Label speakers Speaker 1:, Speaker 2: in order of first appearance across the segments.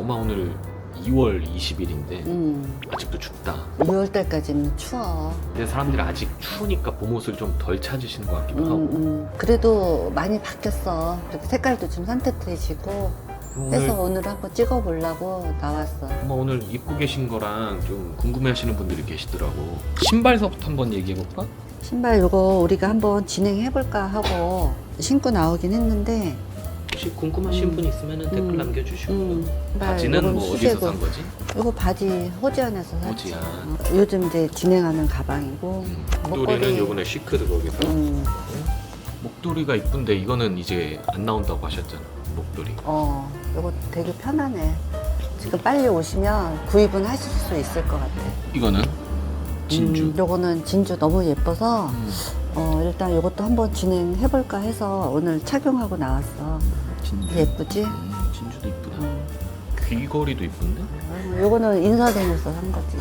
Speaker 1: 엄마 오늘 2월 20일인데 아직도 춥다.
Speaker 2: 6월 달까지는 추워.
Speaker 1: 근데 사람들이 아직 추우니까 봄옷을 좀 덜 찾으시는 것 같기도 하고.
Speaker 2: 그래도 많이 바뀌었어. 그렇게 색깔도 좀 산뜻해지고 해서 오늘 한번 찍어보려고 나왔어.
Speaker 1: 엄마 오늘 입고 계신 거랑 좀 궁금해하시는 분들이 계시더라고. 신발서부터 한번 얘기해볼까?
Speaker 2: 신발 요거 우리가 한번 진행해볼까 하고 신고 나오긴 했는데
Speaker 1: 혹시 궁금하신 분 있으면 댓글 남겨주시고. 바지는
Speaker 2: 요건
Speaker 1: 뭐 어디서
Speaker 2: 수제고.
Speaker 1: 산 거지?
Speaker 2: 요거 바지 호지안에서 샀지.
Speaker 1: 호지안.
Speaker 2: 요즘 이제 진행하는 가방이고
Speaker 1: 목도리는 요번에 시크드 거기서. 목도리가 이쁜데 이거는 이제 안 나온다고 하셨잖아. 목도리.
Speaker 2: 요거 되게 편하네. 지금 빨리 오시면 구입은 하실 수 있을 것 같아.
Speaker 1: 이거는 진주.
Speaker 2: 요거는 진주 너무 예뻐서 일단 요것도 한번 진행해볼까 해서 오늘 착용하고 나왔어.
Speaker 1: 진주.
Speaker 2: 예쁘지?
Speaker 1: 진주도 이쁘다. 귀걸이도 이쁜데?
Speaker 2: 요거는 인사동에서 산 거지.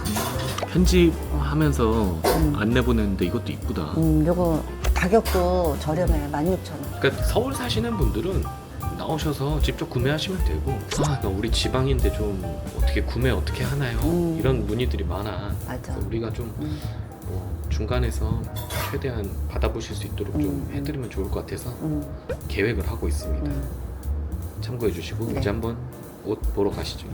Speaker 1: 편집하면서 안내 보냈는데 이것도 이쁘다.
Speaker 2: 요거 가격도 저렴해. 16,000원.
Speaker 1: 그러니까 서울 사시는 분들은 나오셔서 직접 구매하시면 되고, 나 우리 지방인데 좀 어떻게 구매 어떻게 하나요? 이런 문의들이 많아.
Speaker 2: 맞아.
Speaker 1: 그래서 우리가 좀 중간에서 최대한 받아보실 수 있도록 좀 해드리면 좋을 것 같아서 계획을 하고 있습니다. 참고해 주시고
Speaker 2: 네.
Speaker 1: 이제 한번 옷 보러 가시죠.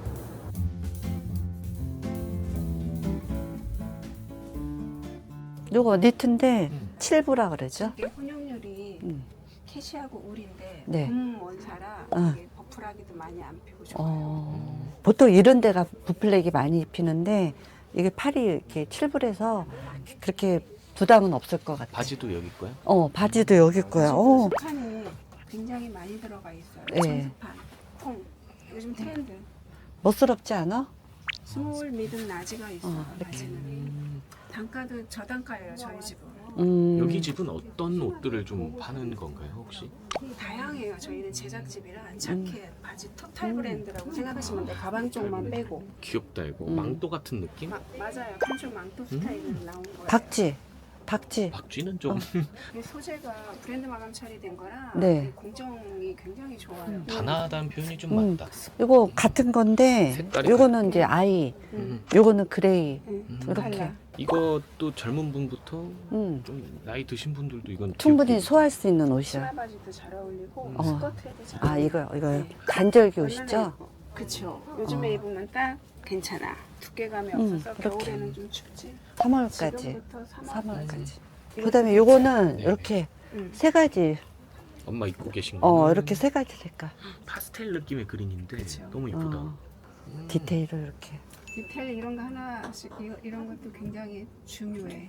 Speaker 2: 요거 니트인데 7부라 그러죠?
Speaker 3: 이게 혼용률이
Speaker 2: 음.
Speaker 3: 캐시하고 울인데
Speaker 2: 네.
Speaker 3: 원사라 이게 버플하기도 많이 안 피고 좋아요.
Speaker 2: 보통 이런 데가 부플렉이 많이 입히는데 이게 팔이 이렇게 7불에서 그렇게 부담은 없을 것 같아.
Speaker 1: 바지도 여기 거야?
Speaker 2: 바지도 여기 거야.
Speaker 3: 스판이 굉장히 많이 들어가 있어요.
Speaker 2: 네.
Speaker 3: 청스판, 콩. 요즘 트렌드.
Speaker 2: 멋스럽지 않아?
Speaker 3: 스몰, 미든, 라지가 있어요.
Speaker 2: 이렇게.
Speaker 3: 라지는. 단가도 저단가예요, 저희 집은.
Speaker 1: 여기 집은 어떤 옷들을 좀 파는 건가요 혹시?
Speaker 3: 다양해요. 저희는 제작집이라 자켓, 바지, 토탈 브랜드라고 생각하시면 돼요. 가방 쪽만 빼고.
Speaker 1: 귀엽다 이거. 망토 같은 느낌?
Speaker 3: 맞아요. 칸쇼 망토 스타일로 나온 거예요.
Speaker 2: 박쥐.
Speaker 1: 박쥐는 좀
Speaker 3: 이 소재가 브랜드 마감 처리된 거라
Speaker 2: 네.
Speaker 3: 공정이 굉장히 좋아요.
Speaker 1: 단아하다는 표현이 좀 맞다.
Speaker 2: 이거 같은 건데
Speaker 1: 색깔이
Speaker 2: 요거는 이제 아이, 요거는 그레이. 이렇게.
Speaker 3: 칼라.
Speaker 1: 이것도 젊은 분부터
Speaker 2: 음.
Speaker 1: 좀 나이 드신 분들도 이건
Speaker 2: 충분히
Speaker 1: 귀엽게
Speaker 2: 소화할 수 있는 옷이야.
Speaker 3: 치마 바지도 잘 어울리고 스커트에도 잘
Speaker 2: 아,
Speaker 3: 어울리고.
Speaker 2: 이거요.
Speaker 3: 네.
Speaker 2: 간절기 옷이죠?
Speaker 3: 그쵸. 요즘에 입으면 딱 괜찮아. 두께감이 없어서
Speaker 2: 이렇게.
Speaker 3: 겨울에는 좀 춥지.
Speaker 2: 3월까지.
Speaker 3: 지금부터 3월까지.
Speaker 2: 그다음에 요거는
Speaker 1: 네.
Speaker 2: 이렇게
Speaker 3: 음.
Speaker 2: 세 가지.
Speaker 1: 엄마 입고 계신 거.
Speaker 2: 이렇게 세 가지 색깔.
Speaker 1: 파스텔 느낌의 그린인데
Speaker 3: 그쵸.
Speaker 1: 너무 이쁘다.
Speaker 2: 디테일을 이렇게.
Speaker 3: 디테일 이런 거 하나씩 이런 것도 굉장히 중요해.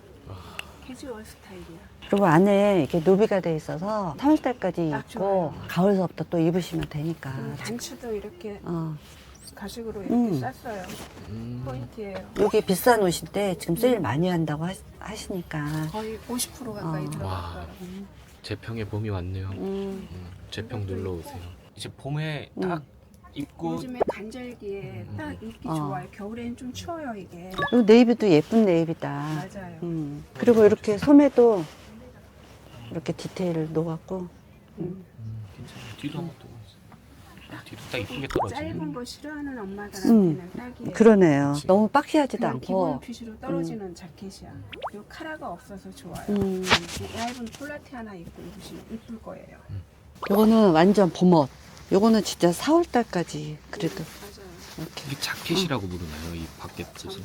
Speaker 3: 캐주얼 스타일이야.
Speaker 2: 그리고 안에 이렇게 노비가 돼 있어서 3월달까지
Speaker 3: 딱
Speaker 2: 입고
Speaker 3: 좋아요.
Speaker 2: 가을서부터 또 입으시면 되니까.
Speaker 3: 단추도 이렇게
Speaker 2: 어.
Speaker 3: 가죽으로 이렇게 쌌어요. 포인트예요.
Speaker 2: 여기 비싼 옷인데 지금 세일 많이 한다고 하시니까.
Speaker 3: 거의 50% 가까이
Speaker 1: 와.
Speaker 3: 들어갔어요.
Speaker 1: 재평에 봄이 왔네요. 재평 놀러 오세요. 이제 봄에 딱 입고
Speaker 3: 요즘에 간절기에 딱 입기 좋아요. 겨울에는 좀 추워요 이게.
Speaker 2: 이 네이비도 예쁜 네이비다.
Speaker 3: 맞아요.
Speaker 2: 그리고 이렇게 소매도 이렇게 디테일을 놓았고.
Speaker 1: 괜찮아요. 뒤도 한번 또 뒤도 딱 이쁘게 떨어지네.
Speaker 3: 짧은 거 싫어하는 엄마들한테는 딱이에요.
Speaker 2: 그러네요. 너무 빡시하지도
Speaker 3: 그냥 기본
Speaker 2: 않고.
Speaker 3: 핏으로 떨어지는 자켓이야. 요 카라가 없어서 좋아요.
Speaker 2: 음.
Speaker 3: 이 얇은 폴라티 하나 입고 입으시면 이쁠 거예요.
Speaker 2: 요거는 완전 봄옷. 요거는 진짜 4월달까지 그래도
Speaker 3: 맞아요.
Speaker 2: 이렇게
Speaker 1: 이게 자켓이라고 부르나요? 이 밖에 뜻은?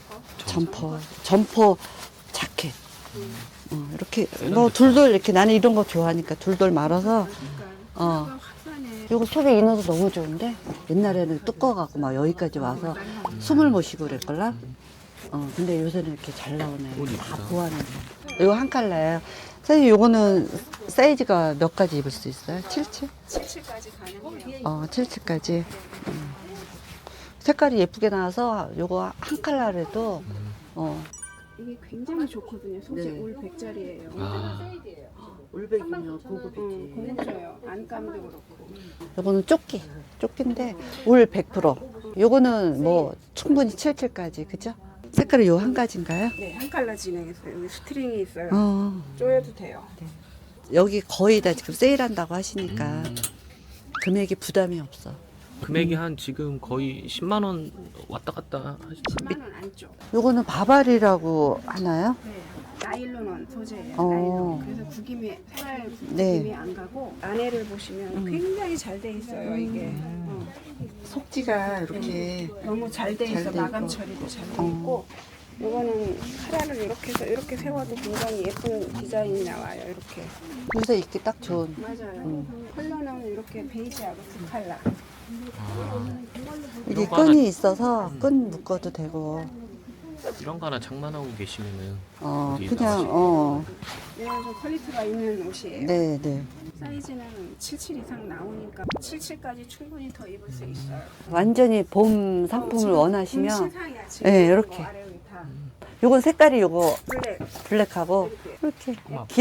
Speaker 2: 점퍼 자켓. 이렇게 뭐 둘돌 이렇게 나는 이런 거 좋아하니까 둘돌 말아서
Speaker 3: 그러니까 화사네.
Speaker 2: 요거 속에 인어도 너무 좋은데 옛날에는 두꺼워갖고 막 여기까지 와서 숨을 못 쉬고 그랬걸라. 근데 요새는 이렇게 잘 나오네.
Speaker 1: 옷
Speaker 2: 다
Speaker 1: 이쁘다.
Speaker 2: 보완해. 요거 한 컬러예요. 사실 요거는 사이즈가 몇 가지 입을 수 있어요? 77?
Speaker 3: 77까지 가능해요.
Speaker 2: 77까지. 색깔이 예쁘게 나와서 요거 한 컬러라도
Speaker 3: 이게 굉장히 좋거든요. 소재
Speaker 2: 네.
Speaker 3: 올 100짜리예요.
Speaker 1: 아,
Speaker 2: 올백이면 고급이지.
Speaker 3: 고급져요. 안감도 그렇고.
Speaker 2: 요거는 조끼인데 올 100%. 요거는 뭐 충분히 77까지, 그죠? 색깔이 요 한 가지인가요?
Speaker 3: 네, 한 칼라 진행했어요. 여기 스트링이 있어요. 조여도 돼요.
Speaker 2: 여기 거의 다 지금 세일한다고 하시니까 금액이 부담이 없어.
Speaker 1: 금액이 한 지금 거의 10만 원 왔다 갔다 하시죠.
Speaker 3: 10만 원 안쪽.
Speaker 2: 요거는 바바리라고 하나요?
Speaker 3: 네. 나일론 소재예요.
Speaker 2: 어.
Speaker 3: 나일론. 그래서 구김이 생활
Speaker 2: 네.
Speaker 3: 구김이 안 가고 안에를 보시면 굉장히 잘 돼 있어요. 이게
Speaker 2: 속지가 이렇게
Speaker 3: 너무 잘 돼 있어.
Speaker 2: 잘돼
Speaker 3: 마감
Speaker 2: 있고.
Speaker 3: 처리도 잘 돼 있고. 이거는 카라를 이렇게 해서 이렇게 세워도 굉장히 예쁜 디자인이 나와요. 이렇게.
Speaker 2: 요새 입기 딱 좋은.
Speaker 3: 맞아요. 컬러는 이렇게 베이지하고 두 컬러.
Speaker 2: 이게
Speaker 1: 이런 거 하나-
Speaker 2: 끈이 있어서 끈 묶어도 되고.
Speaker 1: 이런 거 하나 장만하고 계시면은 어디
Speaker 2: 그냥
Speaker 1: 나가시-
Speaker 3: 얘는 좀 퀄리티가 있는 옷이에요.
Speaker 2: 네, 네.
Speaker 3: 사이즈는 77 이상 나오니까 77까지 충분히 더 입을 수 있어요.
Speaker 2: 완전히 봄 상품을
Speaker 3: 지금
Speaker 2: 원하시면
Speaker 3: 신상이야, 지금.
Speaker 2: 네, 이렇게.
Speaker 3: 아래 위다
Speaker 2: 요건 색깔이 요거
Speaker 3: 블랙.
Speaker 2: 블랙하고 이렇게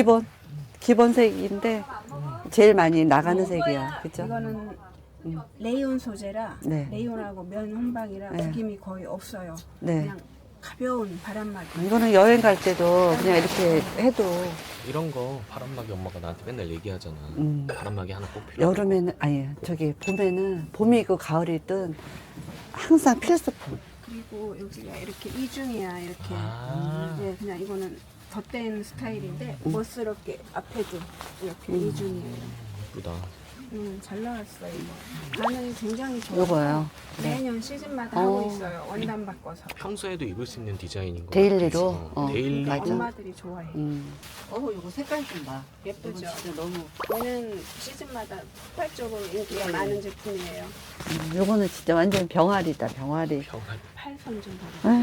Speaker 2: 기본색인데 제일 많이 나가는 색이야. 그죠?
Speaker 3: 이거는 레이온 소재라
Speaker 2: 네.
Speaker 3: 레이온하고 면 혼방이라
Speaker 2: 네.
Speaker 3: 구김이 거의 없어요.
Speaker 2: 네.
Speaker 3: 그냥 가벼운 바람막이.
Speaker 2: 이거는 여행 갈 때도 그냥 이렇게 해도
Speaker 1: 이런 거 바람막이 엄마가 나한테 맨날 얘기하잖아.
Speaker 2: 음.
Speaker 1: 바람막이 하나 꼭 필요.
Speaker 2: 여름에는 아니 저기 봄에는 봄이고 가을이든 항상 필수품.
Speaker 3: 그리고 여기가 이렇게 이중이야 이렇게.
Speaker 1: 아.
Speaker 3: 네, 그냥 이거는 덧댄 스타일인데 멋스럽게 앞에도 이렇게 이중이에요.
Speaker 1: 예쁘다.
Speaker 3: 잘 나왔어요. 이거. 반응이 굉장히 좋아요.
Speaker 2: 요거요. 네.
Speaker 3: 매년 시즌마다
Speaker 2: 어.
Speaker 3: 하고 있어요. 원단 바꿔서.
Speaker 1: 평소에도 입을 수 있는 디자인인 거.
Speaker 2: 데일리로?
Speaker 1: 같아서. 데일리.
Speaker 2: 맞아.
Speaker 3: 엄마들이 좋아해.
Speaker 2: 요거 색깔 좀 봐.
Speaker 3: 예쁘죠?
Speaker 2: 진짜 너무.
Speaker 3: 얘는 시즌마다 폭발적으로 인기가 많은 제품이에요.
Speaker 2: 요거는 진짜 완전 병아리다, 병아리.
Speaker 1: 평안.
Speaker 3: 팔선 좀
Speaker 2: 네.
Speaker 3: 봐봐.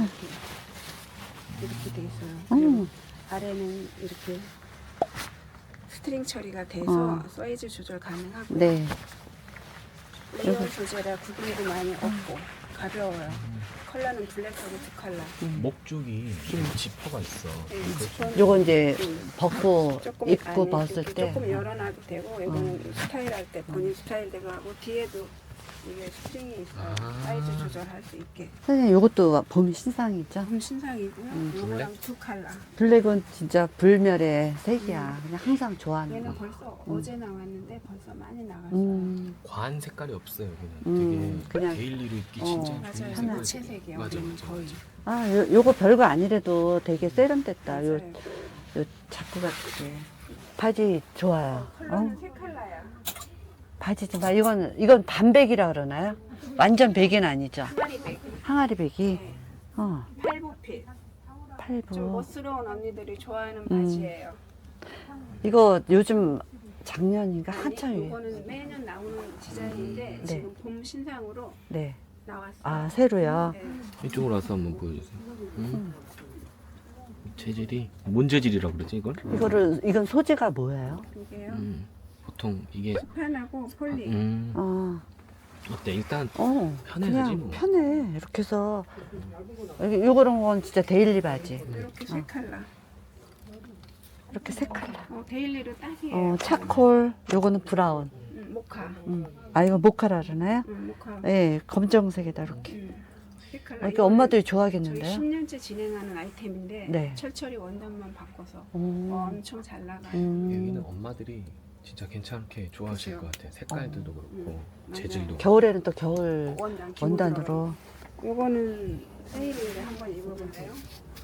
Speaker 3: 이렇게 돼 있어요. 그리고
Speaker 2: 음.
Speaker 3: 아래는 이렇게 스트링 처리가 돼서 사이즈 조절 가능하고
Speaker 2: 네.
Speaker 3: 레이온 소재라 구김도 많이 없고 가벼워요. 컬러는 블랙하고 두 컬러.
Speaker 1: 목 쪽이 지퍼가 있어.
Speaker 3: 네, 지퍼는
Speaker 2: 요거 이제
Speaker 3: 음.
Speaker 2: 벗고
Speaker 3: 조금
Speaker 2: 입고
Speaker 3: 아니,
Speaker 2: 봤을
Speaker 3: 이렇게
Speaker 2: 때
Speaker 3: 조금 열어놔도 되고 이거는 스타일할 때 본인 스타일대로 하고 뒤에도 이게 스트링이 있어요.
Speaker 1: 아.
Speaker 3: 사이즈 조절할 수 있게.
Speaker 2: 선생님 요것도 봄 신상이죠?
Speaker 3: 좀 신상이고요. 이거랑 두 컬러.
Speaker 2: 블랙은 진짜 불멸의 색이야. 그냥 항상 좋아하는
Speaker 3: 얘는
Speaker 2: 거.
Speaker 3: 벌써 어제 나왔는데 벌써 많이 나갔어요.
Speaker 2: 음,
Speaker 1: 색깔이 없어요. 여기는
Speaker 2: 그냥-
Speaker 1: 되게 데일리로 입기
Speaker 2: 어.
Speaker 1: 진짜
Speaker 3: 맞아요.
Speaker 1: 좋은
Speaker 3: 하나
Speaker 1: 색깔.
Speaker 3: 채색이요.
Speaker 1: 맞아,
Speaker 3: 우리는
Speaker 1: 맞아,
Speaker 3: 거의.
Speaker 1: 맞아.
Speaker 2: 요거 별거 아니래도 되게 세련됐다. 요
Speaker 3: 맞아요.
Speaker 2: 자꾸 같게. 바지 좋아요.
Speaker 3: 컬러는 세 컬러야.
Speaker 2: 바지 좀 봐. 이건 반백이라 그러나요? 완전 백은 아니죠?
Speaker 3: 항아리백.
Speaker 2: 항아리 백이.
Speaker 3: 네. 팔보핏. 좀
Speaker 2: 팔부.
Speaker 3: 멋스러운 언니들이 좋아하는 바지예요.
Speaker 2: 이거 요즘 작년인가
Speaker 3: 아니,
Speaker 2: 한참 유행.
Speaker 3: 이거는 매년 나오는 디자인인데
Speaker 2: 네.
Speaker 3: 지금 봄 신상으로
Speaker 2: 네.
Speaker 3: 나왔어요.
Speaker 2: 아, 새로요?
Speaker 3: 네.
Speaker 1: 이쪽으로 와서 한번 보여주세요. 재질이 뭔 재질이라고 그러지 이걸?
Speaker 2: 이건 소재가 뭐예요?
Speaker 3: 이게요.
Speaker 1: 보통 이게
Speaker 3: 스판하고 폴리.
Speaker 1: 어때? 일단 편해야지
Speaker 2: 그냥
Speaker 1: 뭐.
Speaker 2: 편해. 이렇게 해서 요거런 건 진짜 데일리 바지.
Speaker 3: 이렇게 세 컬러.
Speaker 2: 이렇게 세 컬러.
Speaker 3: 데일리로 딱이에요.
Speaker 2: 차콜. 요거는 브라운.
Speaker 3: 모카.
Speaker 2: 아, 이거 모카라 그러나요?
Speaker 3: 모카.
Speaker 2: 네, 검정색에다 이렇게.
Speaker 3: 세 컬러.
Speaker 2: 이렇게
Speaker 3: 이거는
Speaker 2: 엄마들이
Speaker 3: 저희
Speaker 2: 좋아하겠는데요?
Speaker 3: 10년째 진행하는 아이템인데
Speaker 2: 네.
Speaker 3: 철철이 원단만 바꿔서
Speaker 2: 음.
Speaker 3: 엄청 잘 나가요.
Speaker 1: 여기는 엄마들이 진짜 괜찮게 좋아하실
Speaker 3: 그죠.
Speaker 1: 것 같아. 색깔들도 그렇고
Speaker 3: 맞아요.
Speaker 1: 재질도.
Speaker 2: 겨울에는 또 겨울
Speaker 3: 원단
Speaker 2: 원단으로.
Speaker 3: 요거는 세일인데 한번 입어볼래요?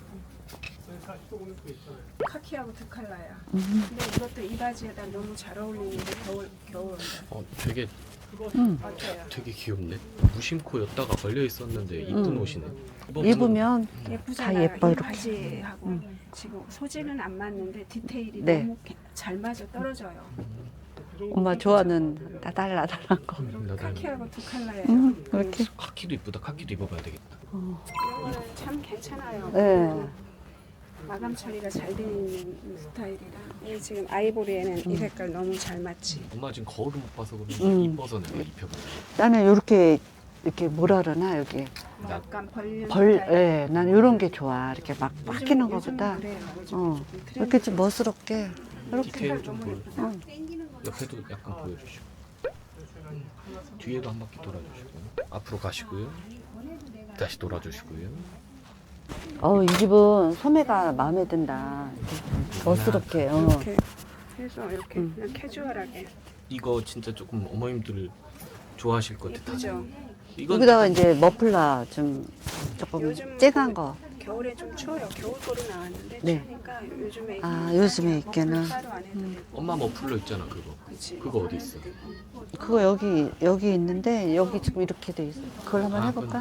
Speaker 3: 카키하고 두 컬러야. 근데 이것도 이 바지에다 너무 잘 어울리는데 겨울 원단.
Speaker 1: 되게
Speaker 3: 어때요?
Speaker 1: 되게 귀엽네. 무심코 였다가 걸려 있었는데 이쁜 옷이네.
Speaker 2: 입으면
Speaker 3: 예쁘잖아요.
Speaker 2: 다 예뻐,
Speaker 3: 이
Speaker 2: 이렇게.
Speaker 3: 바지하고 지금 소재는 안 맞는데 디테일이
Speaker 2: 네.
Speaker 3: 너무 잘 맞아 떨어져요.
Speaker 2: 엄마 좋아하는 나달나달한 거.
Speaker 3: 카키하고 두 컬러예요.
Speaker 2: 이렇게.
Speaker 1: 카키도 이쁘다. 카키도 입어봐야 되겠다.
Speaker 3: 이거는 참 괜찮아요.
Speaker 2: 네.
Speaker 3: 마감 처리가 잘 되어 있는 스타일이라. 이 지금 아이보리에는 이 색깔 너무 잘 맞지.
Speaker 1: 엄마 지금 거울을 못 봐서 그런지 이뻐서 내가 입혀볼게.
Speaker 2: 나는 이렇게 뭐라 그러나 여기
Speaker 3: 약간 벌린
Speaker 2: 예, 나는 이런 게 좋아. 이렇게 막 바뀌는 것보다
Speaker 3: 그래요. 요즘
Speaker 2: 어,
Speaker 3: 트렌드.
Speaker 2: 이렇게 좀 멋스럽게 이렇게.
Speaker 1: 디테일 좀 보여주세요. 옆에도 약간 보여주시고. 뒤에도 한 바퀴 돌아주시고. 앞으로 가시고요. 다시 돌아주시고요.
Speaker 2: 이 집은 소매가 마음에 든다. 이렇게 멋스럽게.
Speaker 3: 이렇게 해서 이렇게 그냥 캐주얼하게.
Speaker 1: 이거 진짜 조금 어머님들 좋아하실 것 같아.
Speaker 3: 예쁘죠?
Speaker 1: 이건
Speaker 2: 여기다가 이제 머플러 좀 조금
Speaker 3: 요즘
Speaker 2: 쨍한 거.
Speaker 3: 겨울에 좀 추워요. 겨울거로 나왔는데
Speaker 2: 네.
Speaker 3: 추우니까 요즘에
Speaker 2: 아, 요즘에 있게는.
Speaker 3: 따로 안 해도 되고.
Speaker 1: 엄마 머플러 있잖아 그거.
Speaker 3: 그치.
Speaker 1: 그거 어디 있어?
Speaker 2: 그거 여기 있는데 여기 지금 이렇게 돼 있어. 그걸 한번
Speaker 1: 아,
Speaker 2: 해볼까?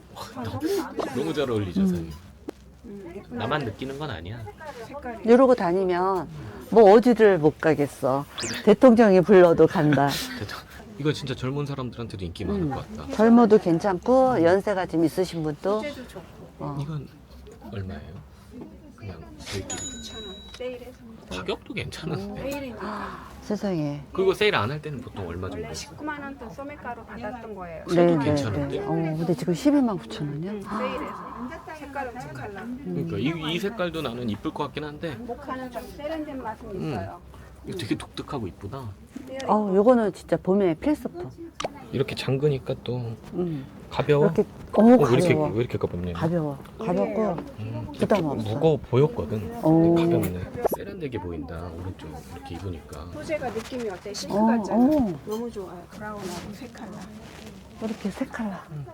Speaker 1: 너무 잘 어울리죠, 사장님.
Speaker 3: 예쁜
Speaker 1: 나만 느끼는 건 아니야.
Speaker 3: 색깔이.
Speaker 2: 이러고 다니면 뭐 어디를 못 가겠어. 대통령이 불러도 간다.
Speaker 1: 이거 진짜 젊은 사람들한테도 인기 많을 것 같다.
Speaker 2: 젊어도 괜찮고 연세가 좀 있으신 분도
Speaker 3: 소재도 좋고.
Speaker 1: 이건 얼마예요? 그냥 저희끼리
Speaker 3: 9,000원. 세일해서.
Speaker 1: 가격도 괜찮은데.
Speaker 3: 세일이니까.
Speaker 2: 세상에.
Speaker 1: 그리고 세일 안 할 때는 보통 얼마
Speaker 3: 원래
Speaker 1: 정도?
Speaker 3: 19만 원 또 소매가로 받았던 거예요.
Speaker 2: 네,
Speaker 1: 괜찮은데?
Speaker 2: 근데 지금 12만 9천 원이요?
Speaker 3: 세일해서. 색깔은 두 컬러.
Speaker 1: 그러니까 이 색깔도 나는 이쁠 것 같긴 한데
Speaker 3: 모카는 좀 세련된 맛은 있어요.
Speaker 1: 이거 되게 독특하고 이쁘다.
Speaker 2: 요거는 진짜 봄에 필수품.
Speaker 1: 이렇게 잠그니까 또 가벼워.
Speaker 2: 이렇게
Speaker 1: 왜
Speaker 2: 가벼워.
Speaker 1: 이렇게 가볍냐?
Speaker 2: 가볍고 부담 없어.
Speaker 1: 무거워 보였거든.
Speaker 2: 오.
Speaker 1: 가볍네. 세련되게 보인다. 오른쪽 이렇게 입으니까.
Speaker 3: 소재가 느낌이 어때? 실크
Speaker 2: 어,
Speaker 3: 같잖아.
Speaker 2: 어.
Speaker 3: 너무 좋아요. 브라운하고 색 컬러.
Speaker 2: 이렇게 세 컬러.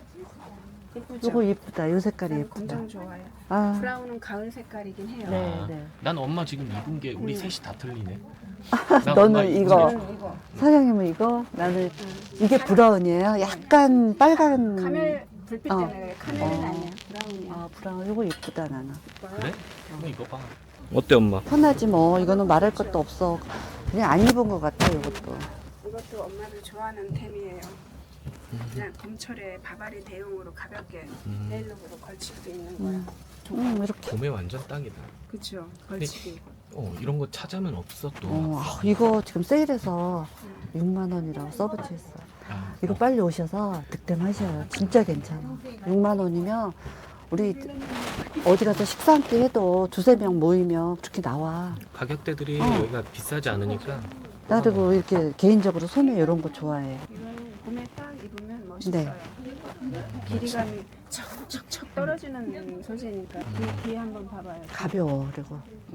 Speaker 3: 예쁘죠?
Speaker 2: 요거 이쁘다. 요 색깔이
Speaker 3: 난
Speaker 2: 예쁘다.
Speaker 3: 엄청 좋아요.
Speaker 2: 아,
Speaker 3: 브라운은 가을 색깔이긴 해요.
Speaker 2: 네.
Speaker 1: 아, 난 엄마 지금 입은 게 우리 셋이 다 틀리네. 난
Speaker 2: 너는
Speaker 1: 엄마 입은
Speaker 2: 이거.
Speaker 1: 게
Speaker 3: 저는 이거
Speaker 2: 사장님은 이거, 나는 이게 브라운이에요. 약간 빨간.
Speaker 3: 카멜 불빛
Speaker 2: 어.
Speaker 3: 때문에 그래. 카멜은
Speaker 2: 어.
Speaker 3: 아니야. 브라운이야.
Speaker 2: 아, 브라운. 요거 이쁘다, 나는.
Speaker 1: 그래? 한번 입어봐. 어때 엄마?
Speaker 2: 편하지 뭐. 이거는 말할 것도 없어. 그냥 안 입은 것 같아, 요것도.
Speaker 3: 이것도 엄마들 좋아하는 템이에요. 그냥 봄철에 바바리 대용으로 가볍게 네일룩으로 걸칠 수 있는 거야.
Speaker 2: 이렇게.
Speaker 1: 봄에 완전 딱이다.
Speaker 3: 그쵸? 걸치기.
Speaker 1: 이런 거 찾으면 없어 또.
Speaker 2: 이거 지금 세일해서 6만 원이라고 써붙여 있어.
Speaker 1: 아,
Speaker 2: 이거 빨리 오셔서 득템하셔요. 진짜 괜찮아. 6만 원이면 우리 어디 가서 식사 한 끼 해도 두세 명 모이면 그렇게 나와.
Speaker 1: 가격대들이 여기가 비싸지 않으니까.
Speaker 2: 나도 이렇게 개인적으로 소매 이런 거 좋아해.
Speaker 3: 이건 봄에 딱 입으면 멋있어요. 길이감이 척척척 떨어지는 소재니까 뒤에 한번 봐봐요.
Speaker 2: 가벼워. 그리고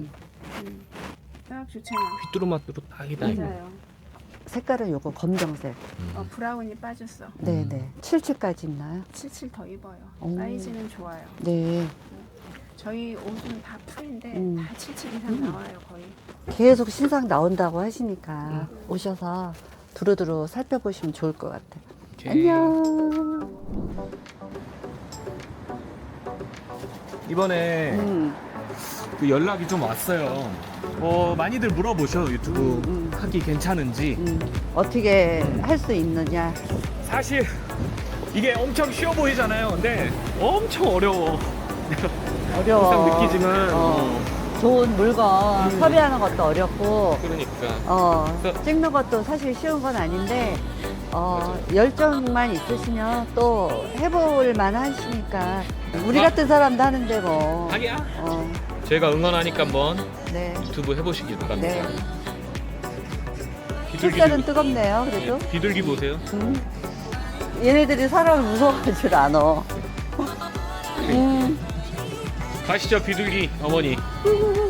Speaker 3: 딱 좋잖아.
Speaker 1: 휘뚜루마뚜루 딱이다 이거.
Speaker 3: 맞아요.
Speaker 2: 색깔은 요거 검정색.
Speaker 3: 브라운이 빠졌어.
Speaker 2: 네네. 77까지 있나요?
Speaker 3: 77 더 입어요.
Speaker 2: 오.
Speaker 3: 사이즈는 좋아요.
Speaker 2: 네.
Speaker 3: 저희 옷은 다 풀인데 다 77 이상 나와요 거의.
Speaker 2: 계속 신상 나온다고 하시니까 오셔서 두루두루 살펴보시면 좋을 것 같아요.
Speaker 1: 오케이.
Speaker 2: 안녕.
Speaker 4: 이번에 그 연락이 좀 왔어요. 많이들 물어보셔 유튜브 하기 괜찮은지.
Speaker 2: 어떻게 할 수 있느냐.
Speaker 4: 사실 이게 엄청 쉬워 보이잖아요. 근데 엄청 어려워.
Speaker 2: 어려워.
Speaker 4: 항상 느끼지만
Speaker 2: 좋은 물건 섭외하는 것도 어렵고,
Speaker 1: 그러니까
Speaker 2: 찍는 것도 사실 쉬운 건 아닌데, 열정만 있으시면 또 해볼 만하시니까, 우리 같은 사람도 하는데 뭐.
Speaker 1: 하기야.
Speaker 2: 어,
Speaker 1: 저희가 응원하니까 한번
Speaker 2: 네.
Speaker 1: 유튜브 해보시길 바랍니다.
Speaker 2: 네.
Speaker 1: 비둘기
Speaker 2: 햇살은 뜨겁네요, 그래도.
Speaker 1: 비둘기 보세요.
Speaker 2: 얘네들이 사람을 무서워할 줄 아노.
Speaker 1: 가시죠 비둘기 어머니.
Speaker 2: 음.